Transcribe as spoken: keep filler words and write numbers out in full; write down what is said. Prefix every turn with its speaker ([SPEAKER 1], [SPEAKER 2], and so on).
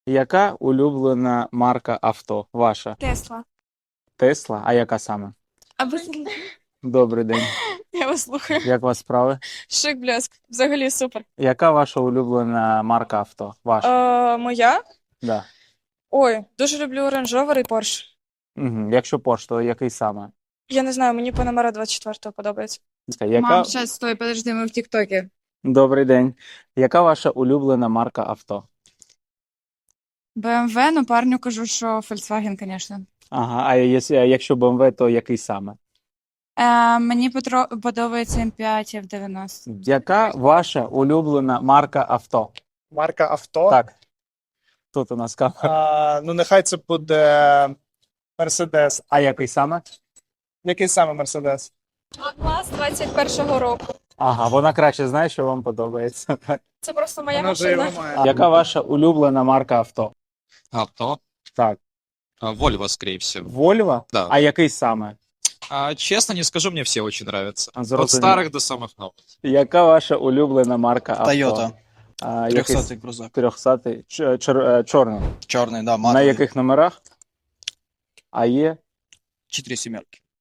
[SPEAKER 1] Яка улюблена марка авто ваша?
[SPEAKER 2] Тесла.
[SPEAKER 1] Тесла? А яка саме?
[SPEAKER 2] А ви
[SPEAKER 1] Добрий день.
[SPEAKER 2] я вас слухаю.
[SPEAKER 1] Як у вас справи?
[SPEAKER 2] Шик блеск. Взагалі супер.
[SPEAKER 1] Яка ваша улюблена марка авто? Ваша?
[SPEAKER 2] Е, моя?
[SPEAKER 1] Да.
[SPEAKER 2] Ой, дуже люблю Range Rover і Porsche.
[SPEAKER 1] Угу. Якщо Porsche, то який саме?
[SPEAKER 2] Я не знаю, мені Panamera двадцять четвертого подобається.
[SPEAKER 1] Яка...
[SPEAKER 3] Мам, сейчас, стой, подожди, мы в ТикТоке.
[SPEAKER 1] Добрий день. Яка ваша улюблена марка авто?
[SPEAKER 3] бэ эм вэ, ну парню кажу, що Volkswagen, конечно.
[SPEAKER 1] Ага, а якщо, якщо бе ем ве, то який саме?
[SPEAKER 3] Е, мені потро- подобається ем п'ять еф дев'яносто.
[SPEAKER 1] Яка ваша улюблена марка авто?
[SPEAKER 4] Марка авто.
[SPEAKER 1] Так. Тут у нас камера.
[SPEAKER 4] А, ну, нехай це буде Мерседес.
[SPEAKER 1] А який саме?
[SPEAKER 4] Який саме Мерседес?
[SPEAKER 2] Клас двадцять першого року.
[SPEAKER 1] Ага, вона краще знає, що вам подобається. Так.
[SPEAKER 2] Це просто моя
[SPEAKER 4] Вона вже
[SPEAKER 2] машина.
[SPEAKER 4] його має.
[SPEAKER 1] Яка ваша улюблена марка авто?
[SPEAKER 5] Авто.
[SPEAKER 1] Так.
[SPEAKER 5] А, Volvo, скорее всего.
[SPEAKER 1] Вольво?
[SPEAKER 5] Да.
[SPEAKER 1] А який саме?
[SPEAKER 5] А, честно не скажу, мне все очень нравятся.
[SPEAKER 1] А,
[SPEAKER 5] От
[SPEAKER 1] зрозумів.
[SPEAKER 5] старых до самых новых.
[SPEAKER 1] Яка ваша улюблена марка авто?
[SPEAKER 6] Тойота.
[SPEAKER 1] А, який...
[SPEAKER 6] трьохсотий крузак.
[SPEAKER 1] трьохсотий. Ч- чор- е, Чорний.
[SPEAKER 6] Чорний, да,
[SPEAKER 1] На
[SPEAKER 6] матовий.
[SPEAKER 1] яких номерах? А є?
[SPEAKER 6] Чотири сімерки.